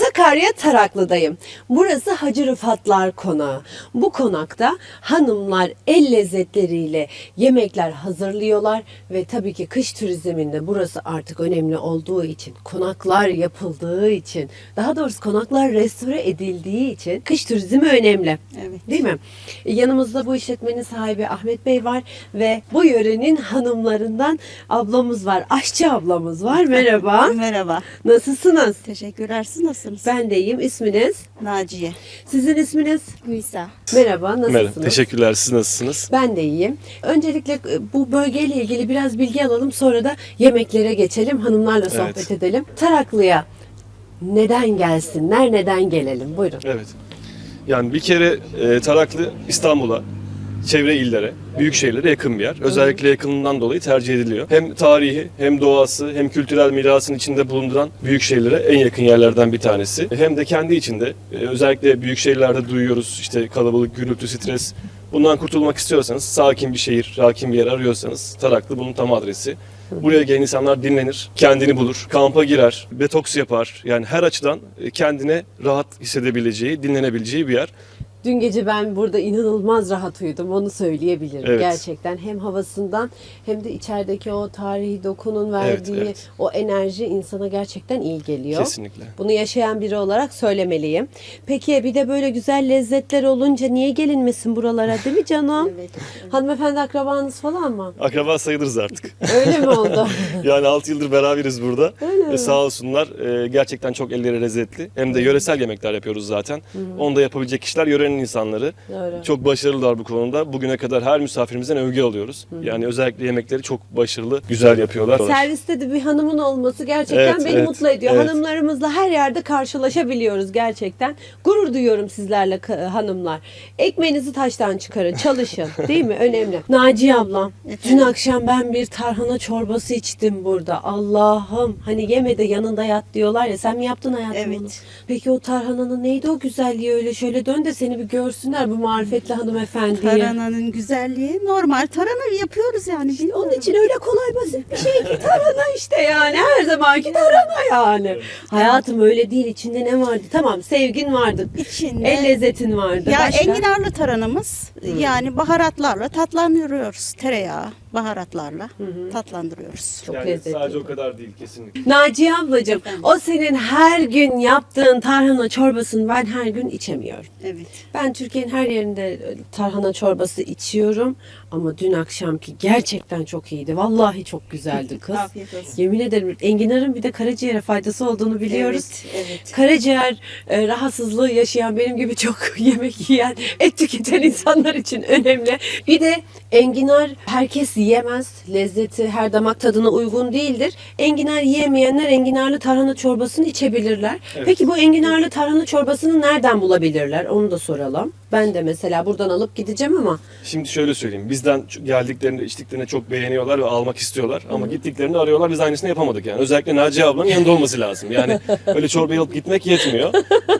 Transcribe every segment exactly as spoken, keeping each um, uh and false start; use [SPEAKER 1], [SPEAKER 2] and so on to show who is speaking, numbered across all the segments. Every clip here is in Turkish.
[SPEAKER 1] Sakarya Taraklı'dayım. Burası Hacı Rıfatlar Konağı. Bu konakta hanımlar el lezzetleriyle yemekler hazırlıyorlar ve tabii ki kış turizminde burası artık önemli olduğu için, konaklar yapıldığı için, daha doğrusu konaklar restore edildiği için kış turizmi önemli.
[SPEAKER 2] Evet.
[SPEAKER 1] Değil mi? Yanımızda bu işletmenin sahibi Ahmet Bey var ve bu yörenin hanımlarından ablamız var. Aşçı ablamız var. Merhaba.
[SPEAKER 2] Merhaba.
[SPEAKER 1] Nasılsınız?
[SPEAKER 2] Teşekkürler. Siz nasılsınız?
[SPEAKER 1] Ben de iyiyim. İsminiz?
[SPEAKER 2] Naciye.
[SPEAKER 1] Sizin isminiz?
[SPEAKER 2] Nisa.
[SPEAKER 1] Merhaba. Nasılsınız?
[SPEAKER 3] Merhaba. Teşekkürler. Siz nasılsınız?
[SPEAKER 1] Ben de iyiyim. Öncelikle bu bölgeyle ilgili biraz bilgi alalım. Sonra da yemeklere geçelim. Hanımlarla sohbet
[SPEAKER 3] Evet.
[SPEAKER 1] edelim. Taraklı'ya neden gelsinler? Neden gelelim? Buyurun.
[SPEAKER 3] Evet. Yani bir kere e, Taraklı İstanbul'a, çevre illere, büyük şehirlere yakın bir yer. Özellikle yakınından dolayı tercih ediliyor. Hem tarihi, hem doğası, hem kültürel mirasın içinde bulunduran büyük şehirlere en yakın yerlerden bir tanesi. Hem de kendi içinde, e, özellikle büyük şehirlerde duyuyoruz işte kalabalık, gürültü, stres. Bundan kurtulmak istiyorsanız, sakin bir şehir, sakin bir yer arıyorsanız Taraklı bunun tam adresi. Buraya gelen insanlar dinlenir, kendini bulur, kampa girer, detoks yapar. Yani her açıdan kendine rahat hissedebileceği, dinlenebileceği bir yer.
[SPEAKER 1] Dün gece ben burada inanılmaz rahat uyudum. Onu söyleyebilirim.
[SPEAKER 3] Evet.
[SPEAKER 1] Gerçekten hem havasından hem de içerideki o tarihi dokunun verdiği
[SPEAKER 3] Evet, evet.
[SPEAKER 1] o enerji insana gerçekten iyi geliyor.
[SPEAKER 3] Kesinlikle.
[SPEAKER 1] Bunu yaşayan biri olarak söylemeliyim. Peki bir de böyle güzel lezzetler olunca niye gelinmesin buralara, değil mi canım?
[SPEAKER 2] Evet.
[SPEAKER 1] Hanımefendi akrabanız falan mı?
[SPEAKER 3] Akraba sayılırız artık.
[SPEAKER 1] Öyle mi oldu?
[SPEAKER 3] Yani altı yıldır beraberiz burada.
[SPEAKER 1] Öyle mi?
[SPEAKER 3] Ve sağ olsunlar e, gerçekten çok elleri lezzetli. Hem de yöresel yemekler yapıyoruz zaten. Onu da yapabilecek kişiler yörenin insanları.
[SPEAKER 1] Doğru.
[SPEAKER 3] Çok başarılılar bu konuda. Bugüne kadar her misafirimizden övgü alıyoruz. Yani özellikle yemekleri çok başarılı, güzel yapıyorlar.
[SPEAKER 1] Serviste de bir hanımın olması gerçekten
[SPEAKER 3] Evet,
[SPEAKER 1] beni
[SPEAKER 3] evet,
[SPEAKER 1] mutlu ediyor.
[SPEAKER 3] evet.
[SPEAKER 1] Hanımlarımızla her yerde karşılaşabiliyoruz gerçekten. Gurur duyuyorum sizlerle ka- hanımlar. Ekmeğinizi taştan çıkarın, çalışın. Değil mi? Önemli. Naciye ablam, dün
[SPEAKER 2] Efendim?
[SPEAKER 1] akşam ben bir tarhana çorbası içtim burada. Allah'ım, hani yeme de yanında yat diyorlar ya. Sen mi yaptın hayatım
[SPEAKER 2] Evet.
[SPEAKER 1] onu? Peki o tarhananın neydi o güzelliği öyle? Şöyle dön de seni bir görsünler bu marifetli hanımefendiyi.
[SPEAKER 2] Tarananın güzelliği normal. Tarhana yapıyoruz yani. Bilmiyorum.
[SPEAKER 1] Onun için öyle kolay basit bir şey ki tarhana işte yani. Her zamanki tarhana yani. Hayatım öyle değil. İçinde ne vardı? Tamam, sevgin vardı.
[SPEAKER 2] İçinde-
[SPEAKER 1] El lezzetin vardı.
[SPEAKER 2] Ya
[SPEAKER 1] Başka?
[SPEAKER 2] enginarlı taranamız yani baharatlarla tatlandırıyoruz. Tereyağı, baharatlarla tatlandırıyoruz.
[SPEAKER 1] Çok
[SPEAKER 3] Yani
[SPEAKER 1] lezzetli.
[SPEAKER 3] sadece o kadar değil kesinlikle.
[SPEAKER 1] Naciye ablacığım, o senin her gün yaptığın tarhana çorbasını ben her gün içemiyorum.
[SPEAKER 2] Evet.
[SPEAKER 1] Ben Türkiye'nin her yerinde tarhana çorbası içiyorum. Ama dün akşamki gerçekten çok iyiydi. Vallahi çok güzeldi kız.
[SPEAKER 2] Afiyet olsun.
[SPEAKER 1] Yemin ederim enginarın bir de karaciğere faydası olduğunu biliyoruz.
[SPEAKER 2] Evet, evet.
[SPEAKER 1] Karaciğer e, rahatsızlığı yaşayan benim gibi çok yemek yiyen, et tüketen insanlar için önemli. Bir de enginar herkes yiyemez. Lezzeti her damak tadına uygun değildir. Enginar yiyemeyenler enginarlı tarhana çorbasını içebilirler.
[SPEAKER 3] Evet.
[SPEAKER 1] Peki bu enginarlı tarhana çorbasını nereden bulabilirler? Onu da soralım. Ben de mesela buradan alıp gideceğim ama
[SPEAKER 3] Şimdi şöyle söyleyeyim. Bizden geldiklerinde, içtiklerinde çok beğeniyorlar ve almak istiyorlar. Ama gittiklerinde arıyorlar. Biz aynısını yapamadık yani. Özellikle Naciye ablanın yanında olması lazım. Yani öyle çorbayı alıp gitmek yetmiyor.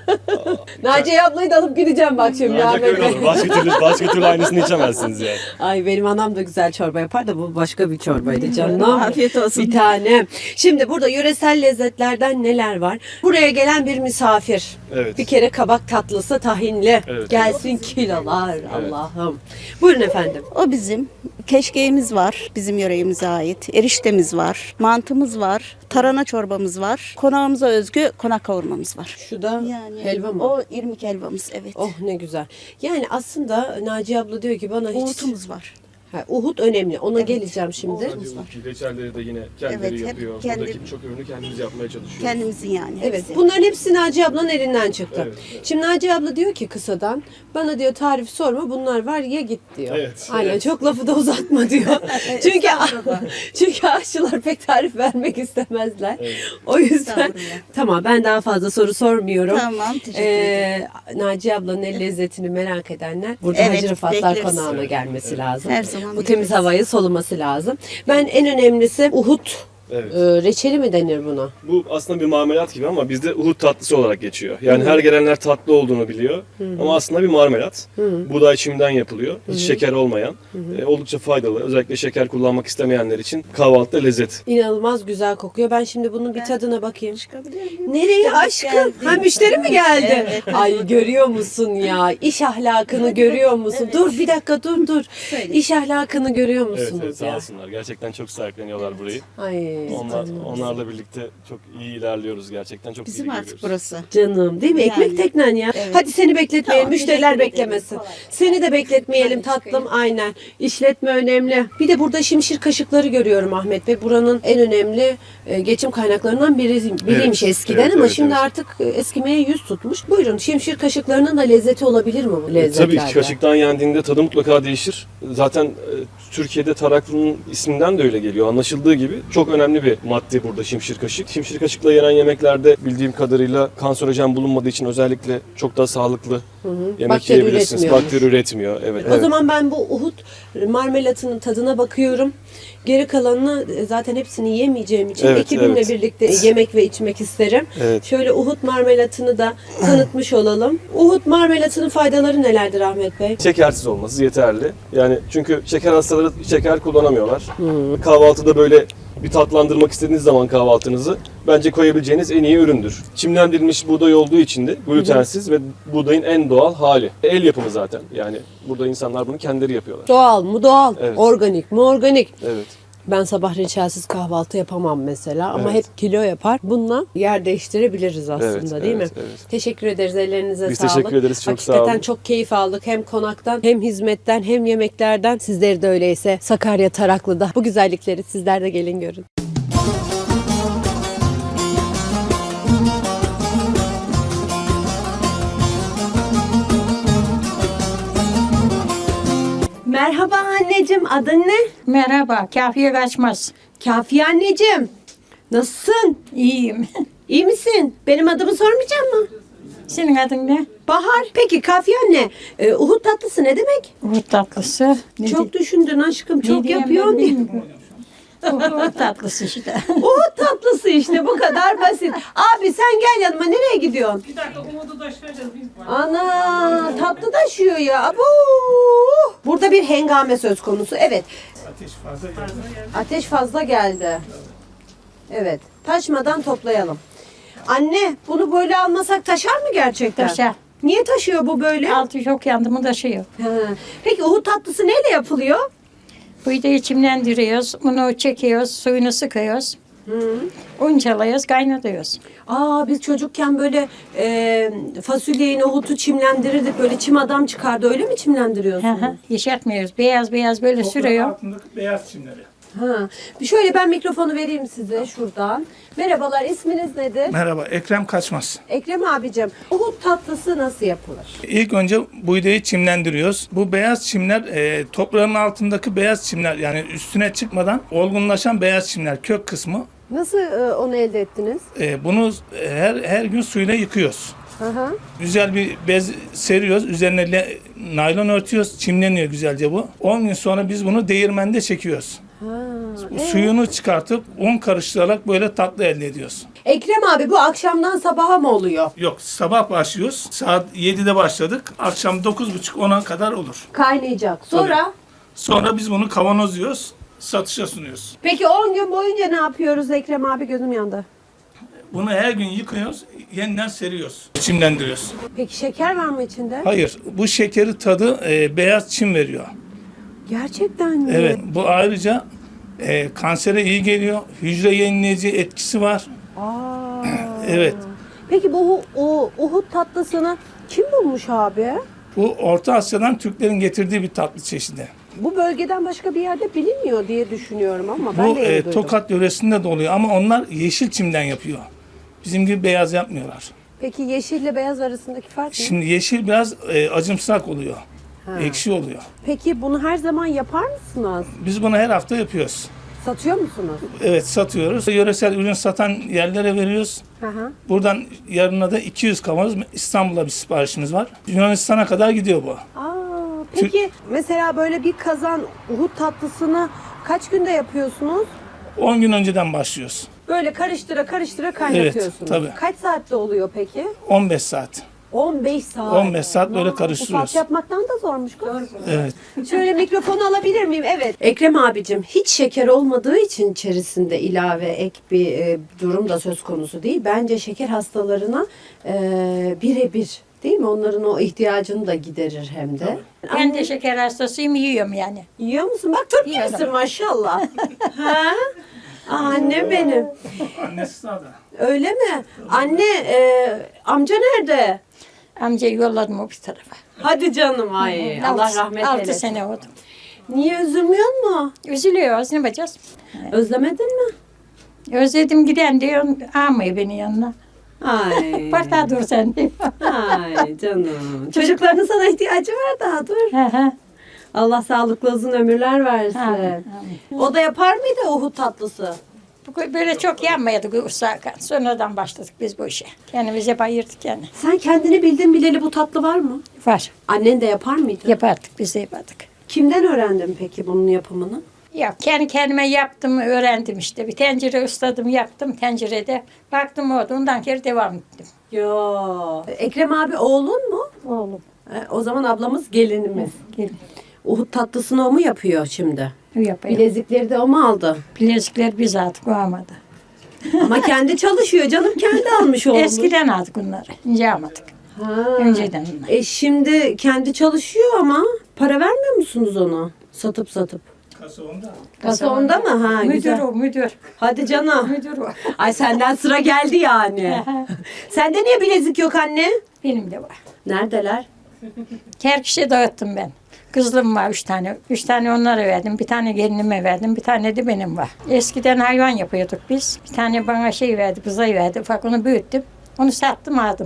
[SPEAKER 1] Naciye ablayı da alıp gideceğim bak şimdi.
[SPEAKER 3] Ancak
[SPEAKER 1] Ahmet
[SPEAKER 3] öyle
[SPEAKER 1] Bey.
[SPEAKER 3] olur. Başka türlü, başka türlü aynısını içemezsiniz yani.
[SPEAKER 1] Ay benim anam da güzel çorba yapar da bu başka bir çorbaydı canım.
[SPEAKER 2] Afiyet olsun.
[SPEAKER 1] Bir tane. Şimdi burada yöresel lezzetlerden neler var? Buraya gelen bir misafir.
[SPEAKER 3] Evet.
[SPEAKER 1] Bir kere kabak tatlısı tahinli.
[SPEAKER 3] Evet.
[SPEAKER 1] Gelsin kilolar Allah'ım. Buyurun efendim.
[SPEAKER 2] O bizim. Keşkeğimiz var. Bizim yöreğimize ait. Eriştemiz var. Mantımız var. Tarhana çorbamız var. Konağımıza özgü konak kavurmamız var.
[SPEAKER 1] Şu da
[SPEAKER 2] Yani
[SPEAKER 1] helva mı?
[SPEAKER 2] O irmik helvamız, evet.
[SPEAKER 1] Oh ne güzel. Yani aslında Naciye abla diyor ki bana hiç...
[SPEAKER 2] Uğutumuz var.
[SPEAKER 1] Ha, Uhud önemli. Ona
[SPEAKER 2] Evet.
[SPEAKER 1] geleceğim şimdi.
[SPEAKER 2] Uhud.
[SPEAKER 3] Sadece reçelleri de yine kendileri
[SPEAKER 2] Evet, hep
[SPEAKER 3] yapıyor.
[SPEAKER 2] kendi-
[SPEAKER 3] Buradaki birçok ürünü kendimiz yapmaya çalışıyoruz.
[SPEAKER 2] Kendimizin yani.
[SPEAKER 1] Evet,
[SPEAKER 2] hepsi.
[SPEAKER 1] bunların hepsi Naciye ablanın elinden çıktı.
[SPEAKER 3] Evet, evet.
[SPEAKER 1] Şimdi Naciye abla diyor ki kısadan, bana diyor tarif sorma, bunlar var ye git diyor.
[SPEAKER 3] Evet,
[SPEAKER 1] Aynen,
[SPEAKER 3] evet.
[SPEAKER 1] çok lafı da uzatma diyor. çünkü
[SPEAKER 2] Estağfurullah.
[SPEAKER 1] çünkü aşçılar pek tarif vermek istemezler. O yüzden
[SPEAKER 2] Estağfurullah.
[SPEAKER 1] tamam, ben daha fazla soru sormuyorum.
[SPEAKER 2] Tamam, teşekkür
[SPEAKER 1] Ee, Naciye ablanın el lezzetini merak edenler burada
[SPEAKER 2] Evet,
[SPEAKER 1] Hacı Rıfatlar
[SPEAKER 2] bekleriz.
[SPEAKER 1] Konağı'na gelmesi lazım.
[SPEAKER 2] Her zaman
[SPEAKER 1] Bu temiz
[SPEAKER 2] bekleriz.
[SPEAKER 1] havayı soluması lazım. Ben en önemlisi Uhud
[SPEAKER 3] Evet.
[SPEAKER 1] Ee, reçeli mi denir buna?
[SPEAKER 3] Bu aslında bir marmelat gibi ama bizde Uhud tatlısı olarak geçiyor. Yani her gelenler tatlı olduğunu biliyor ama aslında bir marmelat. Buğday çimden yapılıyor. Hiç şeker olmayan. E, oldukça faydalı. Özellikle şeker kullanmak istemeyenler için kahvaltıda lezzet.
[SPEAKER 1] İnanılmaz güzel kokuyor. Ben şimdi bunun bir tadına bakayım.
[SPEAKER 2] Çıkabilir miyim?
[SPEAKER 1] Nereye aşkım? Ha, müşteri mi geldi?
[SPEAKER 2] Evet.
[SPEAKER 1] Ay görüyor musun ya? İş ahlakını görüyor musun? Dur bir dakika dur dur.
[SPEAKER 2] Söyle.
[SPEAKER 1] İş ahlakını görüyor
[SPEAKER 3] Evet,
[SPEAKER 1] musunuz
[SPEAKER 3] evet sağ
[SPEAKER 1] ya?
[SPEAKER 3] olsunlar. Gerçekten çok sahipleniyorlar burayı.
[SPEAKER 1] Ay
[SPEAKER 3] Onlar, onlarla birlikte çok iyi ilerliyoruz gerçekten. Çok
[SPEAKER 2] Bizim
[SPEAKER 3] iyi
[SPEAKER 2] artık
[SPEAKER 3] gidiyoruz.
[SPEAKER 2] burası.
[SPEAKER 1] canım değil mi? Ekmek
[SPEAKER 2] Yani.
[SPEAKER 1] teknen ya.
[SPEAKER 2] Evet.
[SPEAKER 1] Hadi seni bekletmeyelim.
[SPEAKER 2] Tamam,
[SPEAKER 1] Müşteriler
[SPEAKER 2] teşekkür ederim.
[SPEAKER 1] beklemesin.
[SPEAKER 2] Kolay.
[SPEAKER 1] Seni de bekletmeyelim
[SPEAKER 2] Hadi
[SPEAKER 1] tatlım.
[SPEAKER 2] çıkayım.
[SPEAKER 1] Aynen. İşletme önemli. Bir de burada şimşir kaşıkları görüyorum Ahmet Bey. Buranın en önemli e, geçim kaynaklarından biri, biriymiş
[SPEAKER 3] Evet,
[SPEAKER 1] eskiden
[SPEAKER 3] evet,
[SPEAKER 1] ama
[SPEAKER 3] evet,
[SPEAKER 1] şimdi
[SPEAKER 3] evet.
[SPEAKER 1] artık e, eskimeye yüz tutmuş. Buyurun şimşir kaşıklarının da lezzeti olabilir mi bu
[SPEAKER 3] E,
[SPEAKER 1] lezzetlerde?
[SPEAKER 3] tabii ki kaşıktan yendiğinde tadı mutlaka değişir. Zaten e, Türkiye'de taraklı'nın isminden de öyle geliyor. Anlaşıldığı gibi çok önemli bir madde burada şimşir kaşık. Şimşir kaşıkla yenen yemeklerde bildiğim kadarıyla kanserojen bulunmadığı için özellikle çok daha sağlıklı yemek
[SPEAKER 1] Bakteri
[SPEAKER 3] yiyebilirsiniz.
[SPEAKER 1] üretmiyormuş.
[SPEAKER 3] Bakteri üretmiyor. Evet.
[SPEAKER 1] O zaman ben bu Uhud marmelatının tadına bakıyorum. Geri kalanını e, zaten hepsini yemeyeceğim için
[SPEAKER 3] Evet,
[SPEAKER 1] ekibimle
[SPEAKER 3] evet.
[SPEAKER 1] birlikte yemek ve içmek isterim.
[SPEAKER 3] Evet.
[SPEAKER 1] Şöyle Uhud marmelatını da tanıtmış olalım. Uhud marmelatının faydaları nelerdir Ahmet Bey?
[SPEAKER 3] Şekersiz olması yeterli. Yani çünkü şeker hastaları şeker kullanamıyorlar. Kahvaltıda böyle bir tatlandırmak istediğiniz zaman kahvaltınızı bence koyabileceğiniz en iyi üründür. Çimlendirilmiş buğday olduğu için de glutensiz ve buğdayın en doğal hali. El yapımı zaten. Yani burada insanlar bunu kendileri yapıyorlar.
[SPEAKER 1] Doğal mu doğal,
[SPEAKER 3] Evet.
[SPEAKER 1] organik mu organik.
[SPEAKER 3] Evet.
[SPEAKER 1] Ben sabah reçelsiz kahvaltı yapamam mesela ama
[SPEAKER 3] Evet.
[SPEAKER 1] hep kilo yapar. Bununla yer değiştirebiliriz aslında
[SPEAKER 3] Evet,
[SPEAKER 1] değil mi?
[SPEAKER 3] evet, evet.
[SPEAKER 1] Teşekkür ederiz. Ellerinize
[SPEAKER 3] Biz
[SPEAKER 1] sağlık.
[SPEAKER 3] teşekkür ederiz, çok sağ
[SPEAKER 1] Hakikaten
[SPEAKER 3] olun.
[SPEAKER 1] çok keyif aldık. Hem konaktan hem hizmetten hem yemeklerden. Sizleri de öyleyse Sakarya Taraklı'da bu güzellikleri sizler de gelin görün. Merhaba anneciğim. Adın ne?
[SPEAKER 4] Merhaba, kafiye kaçmaz.
[SPEAKER 1] Kafiye anneciğim. Nasılsın?
[SPEAKER 4] İyiyim.
[SPEAKER 1] İyi misin? Benim adımı sormayacak mı?
[SPEAKER 4] Senin adın ne?
[SPEAKER 1] Bahar. Peki Kafiye anne, e, Uhud tatlısı ne demek?
[SPEAKER 4] Uhud tatlısı. Ne
[SPEAKER 1] Çok
[SPEAKER 4] di-
[SPEAKER 1] düşündün aşkım,
[SPEAKER 4] ne
[SPEAKER 1] çok
[SPEAKER 4] diyeyim
[SPEAKER 1] yapıyorsun
[SPEAKER 4] ben
[SPEAKER 1] diye.
[SPEAKER 4] bilmiyorum. Uhud tatlısı işte.
[SPEAKER 1] Uhud tatlısı işte bu kadar basit. Abi sen gel yanıma, nereye gidiyorsun?
[SPEAKER 5] Bir dakika umudu taşıyacağız biz.
[SPEAKER 1] Ana tatlı taşıyor ya. Abo. Burada bir hengame söz konusu. Evet.
[SPEAKER 5] Ateş fazla geldi.
[SPEAKER 1] Ateş fazla geldi. Evet. Taşmadan toplayalım. Anne bunu böyle almasak taşar mı gerçekten?
[SPEAKER 4] Taşar.
[SPEAKER 1] Niye taşıyor bu böyle?
[SPEAKER 4] Altı çok yandı mı taşıyor.
[SPEAKER 1] Ha. Peki Uhud tatlısı neyle yapılıyor?
[SPEAKER 4] Buğdayı çimlendiriyoruz, bunu çekiyoruz, suyunu sıkıyoruz. Uncalıyoruz, kaynatıyoruz.
[SPEAKER 1] Aa biz çocukken böyle e, fasulyeyi, nohutu çimlendirirdik. Böyle çim adam çıkardı. Öyle mi
[SPEAKER 4] Hı
[SPEAKER 1] çimlendiriyorsunuz?
[SPEAKER 4] hı, Yeşertmiyoruz. Beyaz beyaz böyle
[SPEAKER 5] Toprağın
[SPEAKER 4] sürüyor.
[SPEAKER 5] altındaki beyaz çimleri.
[SPEAKER 1] Ha. Bir şöyle ben mikrofonu vereyim size şuradan. Merhabalar, isminiz nedir?
[SPEAKER 5] Merhaba, Ekrem Kaçmaz.
[SPEAKER 1] Ekrem abicim, Uhud tatlısı nasıl yapılır?
[SPEAKER 5] İlk önce buğdayı çimlendiriyoruz. Bu beyaz çimler e, toprağın altındaki beyaz çimler, yani üstüne çıkmadan olgunlaşan beyaz çimler, kök kısmı.
[SPEAKER 1] Nasıl e, onu elde ettiniz?
[SPEAKER 5] E, bunu her her gün suyla yıkıyoruz.
[SPEAKER 1] Hı hı.
[SPEAKER 5] Güzel bir bez seriyoruz. Üzerine le- naylon örtüyoruz. Çimleniyor güzelce bu. on gün sonra biz bunu değirmende çekiyoruz. Bu suyunu çıkartıp un karıştırarak böyle tatlı elde ediyoruz.
[SPEAKER 1] Ekrem abi bu akşamdan sabaha mı oluyor?
[SPEAKER 5] Yok, sabah başlıyoruz. Saat yedide başladık. Akşam dokuz buçuk ona kadar olur.
[SPEAKER 1] Kaynayacak. Sonra?
[SPEAKER 5] Sonra biz bunu kavanozluyoruz. Satışa sunuyoruz.
[SPEAKER 1] Peki on gün boyunca ne yapıyoruz Ekrem abi? Gözüm yandı.
[SPEAKER 5] Bunu her gün yıkıyoruz. Yeniden seriyoruz. Çimlendiriyoruz.
[SPEAKER 1] Peki şeker var mı içinde?
[SPEAKER 5] Hayır, bu şekeri tadı e, beyaz çim veriyor.
[SPEAKER 1] Gerçekten mi?
[SPEAKER 5] Evet, bu ayrıca e, kansere iyi geliyor. Hücre yenileyici etkisi var.
[SPEAKER 1] Aa.
[SPEAKER 5] Evet.
[SPEAKER 1] Peki bu o Uhud tatlısını kim bulmuş abi?
[SPEAKER 5] Bu Orta Asya'dan Türklerin getirdiği bir tatlı çeşidi.
[SPEAKER 1] Bu bölgeden başka bir yerde bilinmiyor diye düşünüyorum ama ben
[SPEAKER 5] Bu
[SPEAKER 1] de yeni
[SPEAKER 5] e,
[SPEAKER 1] duydum.
[SPEAKER 5] Tokat yöresinde de oluyor ama onlar yeşil çimden yapıyor. Bizim gibi beyaz yapmıyorlar.
[SPEAKER 1] Peki yeşille beyaz arasındaki fark ne?
[SPEAKER 5] Şimdi yeşil biraz e, acımsak oluyor.
[SPEAKER 1] Ha.
[SPEAKER 5] Ekşi oluyor.
[SPEAKER 1] Peki bunu her zaman yapar mısınız?
[SPEAKER 5] Biz bunu her hafta yapıyoruz.
[SPEAKER 1] Satıyor musunuz?
[SPEAKER 5] Evet, satıyoruz. Yöresel ürün satan yerlere veriyoruz.
[SPEAKER 1] Hı hı.
[SPEAKER 5] Buradan yarına da iki yüz kavanoz İstanbul'a bir siparişimiz var. Yunanistan'a kadar gidiyor bu.
[SPEAKER 1] Aa, peki mesela böyle bir kazan Uhud tatlısını kaç günde yapıyorsunuz?
[SPEAKER 5] on gün önceden başlıyoruz.
[SPEAKER 1] Böyle karıştıra karıştıra kaynatıyorsunuz.
[SPEAKER 5] Evet, tabii.
[SPEAKER 1] Kaç saatte oluyor peki?
[SPEAKER 5] on beş saat.
[SPEAKER 1] on beş saat.
[SPEAKER 5] on beş saat böyle
[SPEAKER 1] Aa,
[SPEAKER 5] karıştırıyoruz.
[SPEAKER 1] Bu saat yapmaktan da zormuş kız.
[SPEAKER 5] Evet.
[SPEAKER 1] Şöyle mikrofonu alabilir miyim? Evet. Ekrem abicim hiç şeker olmadığı için içerisinde ilave ek bir e, durum da söz konusu değil. Bence şeker hastalarına e, birebir değil mi? Onların o ihtiyacını da giderir hem de.
[SPEAKER 4] Ben de şeker hastasıyım, yiyorum yani.
[SPEAKER 1] Yiyor musun? Bak Türk
[SPEAKER 4] Yiyorum.
[SPEAKER 1] gibisin maşallah. ha? Aa, annem benim.
[SPEAKER 5] Annesi sağda.
[SPEAKER 1] Öyle mi? Anne, e, amca nerede?
[SPEAKER 4] Amcayı yolladım o bir tarafa.
[SPEAKER 1] Hadi canım ay. Allah
[SPEAKER 4] Altı-
[SPEAKER 1] rahmet
[SPEAKER 4] Altı
[SPEAKER 1] eylesin.
[SPEAKER 4] sene oldu.
[SPEAKER 1] Niye üzülmüyor mu?
[SPEAKER 4] Üzülüyoruz, ne yapacağız?
[SPEAKER 1] Özlemedin mi?
[SPEAKER 4] Özledim giden diyor, almıyor beni yanına.
[SPEAKER 1] Ay.
[SPEAKER 4] Bardağa dur sen diyor.
[SPEAKER 1] Ay canım. Çocukların sana ihtiyacı var daha dur.
[SPEAKER 4] Hı hı.
[SPEAKER 1] Allah sağlıklı uzun ömürler versin.
[SPEAKER 4] Amin,
[SPEAKER 1] O da yapar mıydı Uhud tatlısı?
[SPEAKER 4] Bu- Böyle çok yanmayadık Ursakan. Sonradan başladık biz bu işe. Kendimiz hep ayırdık yani.
[SPEAKER 1] Sen kendini bildin bileli bu tatlı var mı?
[SPEAKER 4] Var.
[SPEAKER 1] Annen de yapar mıydı?
[SPEAKER 4] Yapardık, biz de yapardık.
[SPEAKER 1] Kimden öğrendin peki bunun yapımını?
[SPEAKER 4] Ya kendi kendime yaptım, öğrendim işte. Bir tencere ısladım, yaptım tencerede. Baktım oldu, ondan kere devam ettim.
[SPEAKER 1] Yo. Ekrem abi oğlun mu?
[SPEAKER 4] Oğlum,
[SPEAKER 1] E, o zaman ablamız gelinimiz.
[SPEAKER 4] gelin.
[SPEAKER 1] Uhud tatlısını o mu yapıyor şimdi?
[SPEAKER 4] Yapayım.
[SPEAKER 1] Bilezikleri de o mu aldı?
[SPEAKER 4] Bilezikler biz aldık, o almadı.
[SPEAKER 1] Ama kendi çalışıyor canım, kendi almış olmuş.
[SPEAKER 4] Eskiden aldık bunları, ince almadık.
[SPEAKER 1] Ha.
[SPEAKER 4] Önceden bunlar.
[SPEAKER 1] E şimdi kendi çalışıyor ama para vermiyor musunuz ona? Satıp satıp.
[SPEAKER 5] Kasa onda.
[SPEAKER 1] Kasa onda mı? Ha,
[SPEAKER 4] Müdür
[SPEAKER 1] güzel.
[SPEAKER 4] o, müdür.
[SPEAKER 1] Hadi canım.
[SPEAKER 4] Müdür o.
[SPEAKER 1] Ay senden sıra geldi yani. Sende niye bilezik yok anne?
[SPEAKER 4] Benim de var.
[SPEAKER 1] Neredeler?
[SPEAKER 4] Kerkiş'e dağıttım ben. Kızlım var üç tane. Üç tane onlara verdim. Bir tane gelinime verdim. Bir tane de benim var. Eskiden hayvan yapıyorduk biz. Bir tane bana şey verdi, bızayı verdi. Ufak onu büyüttüm. Onu sattım aldım.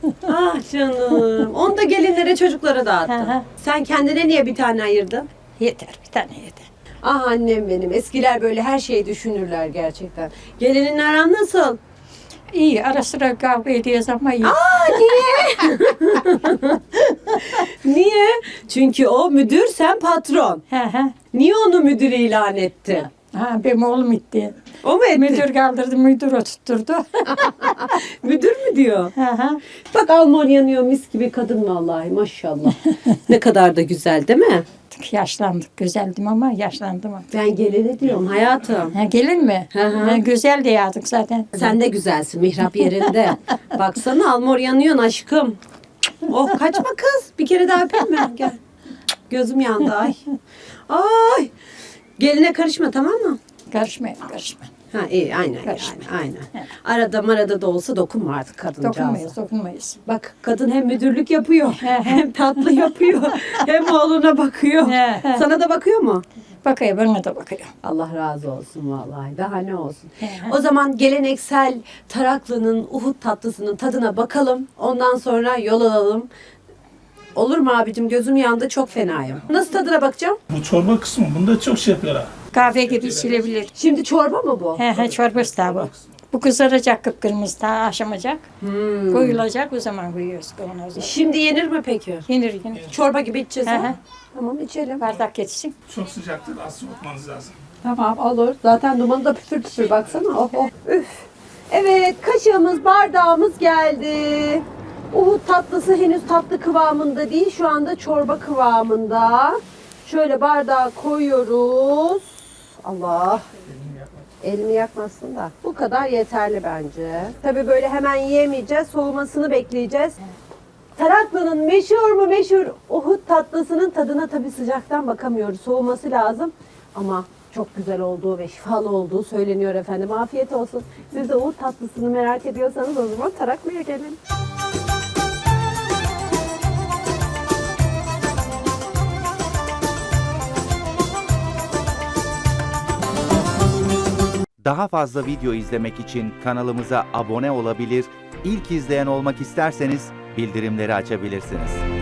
[SPEAKER 1] Ah canım. Onu da gelinlere çocuklara
[SPEAKER 4] Hı
[SPEAKER 1] dağıttın.
[SPEAKER 4] hı.
[SPEAKER 1] Sen kendine niye bir tane ayırdın?
[SPEAKER 4] Yeter, bir tane yeter.
[SPEAKER 1] Ah annem benim. Eskiler böyle her şeyi düşünürler gerçekten. Gelininle aran nasıl?
[SPEAKER 4] İyi, ara sıra kavga ediyoruz ama iyi.
[SPEAKER 1] Niye? Çünkü o müdür, sen patron.
[SPEAKER 4] Hı hı.
[SPEAKER 1] Niye onu müdür ilan etti?
[SPEAKER 4] Ha, benim oğlum gitti.
[SPEAKER 1] O mu etti?
[SPEAKER 4] Müdür kaldırdı, müdür oturtturdu.
[SPEAKER 1] Müdür mü diyor?
[SPEAKER 4] Hı hı.
[SPEAKER 1] Bak Alman yanıyor mis gibi kadın vallahi maşallah. Ne kadar da güzel değil mi?
[SPEAKER 4] Yaşlandık, güzeldim ama yaşlandım.
[SPEAKER 1] Ben gelene diyorum hayatım.
[SPEAKER 4] Ha, gelin mi?
[SPEAKER 1] Hı hı.
[SPEAKER 4] Ha, güzel de yazdık zaten.
[SPEAKER 1] Sen de güzelsin mihrap yerinde. Baksana Almor yanıyorsun aşkım. Oh kaçma kız. Bir kere daha öpeyim mi? Gel. Gözüm yandı ay. Ay. Geline karışma tamam mı?
[SPEAKER 4] Karışmayın, karışmayın.
[SPEAKER 1] Ha iyi aynen yani,
[SPEAKER 4] Karışma.
[SPEAKER 1] aynen. Arada marada da olsa dokunma artık kadıncağıza.
[SPEAKER 4] Dokunmayız, dokunmayız.
[SPEAKER 1] Bak kadın hem müdürlük yapıyor, hem tatlı yapıyor, hem oğluna bakıyor. Sana da bakıyor mu?
[SPEAKER 4] Bakıyor, bana da bakıyor.
[SPEAKER 1] Allah razı olsun vallahi. Daha ne olsun.
[SPEAKER 4] He.
[SPEAKER 1] O zaman geleneksel Taraklı'nın Uhud tatlısının tadına bakalım. Ondan sonra yol alalım. Olur mu abicim? Gözüm yandı. Çok fenayım. Nasıl tadına bakacağım?
[SPEAKER 5] Bu çorba kısmı. Bunda çok şey yapıyorlar.
[SPEAKER 4] Kahve gibi içilebilir.
[SPEAKER 1] Şimdi çorba mı bu?
[SPEAKER 4] He he, çorbası da bu. Bu kızaracak kıpkırmızı, daha aşamayacak.
[SPEAKER 1] Hmm.
[SPEAKER 4] Koyulacak, o zaman koyuyoruz kavanoza.
[SPEAKER 1] Şimdi yenir mi peki?
[SPEAKER 4] Yenir, yenir.
[SPEAKER 1] Çorba gibi içeceğiz
[SPEAKER 4] He
[SPEAKER 1] ha?
[SPEAKER 4] he.
[SPEAKER 1] Tamam içelim.
[SPEAKER 4] Bardak geçsin.
[SPEAKER 5] Çok sıcaktır. Az soğutmanız lazım.
[SPEAKER 1] Tamam olur. Zaten dumanı da püfür püfür baksana. Oh oh. Üf. Evet kaşığımız bardağımız geldi. Uhud tatlısı henüz tatlı kıvamında değil. Şu anda çorba kıvamında. Şöyle bardağa koyuyoruz. Allah. Elimi yakmasın da. Bu kadar yeterli bence. Tabii böyle hemen yiyemeyeceğiz. Soğumasını bekleyeceğiz. Taraklı'nın meşhur mu meşhur Uhud tatlısının tadına tabii sıcaktan bakamıyoruz. Soğuması lazım. Ama çok güzel olduğu ve şifalı olduğu söyleniyor efendim. Afiyet olsun. Siz de Uhud tatlısını merak ediyorsanız o zaman Taraklı'ya gelin.
[SPEAKER 6] Daha fazla video izlemek için kanalımıza abone olabilir, ilk izleyen olmak isterseniz bildirimleri açabilirsiniz.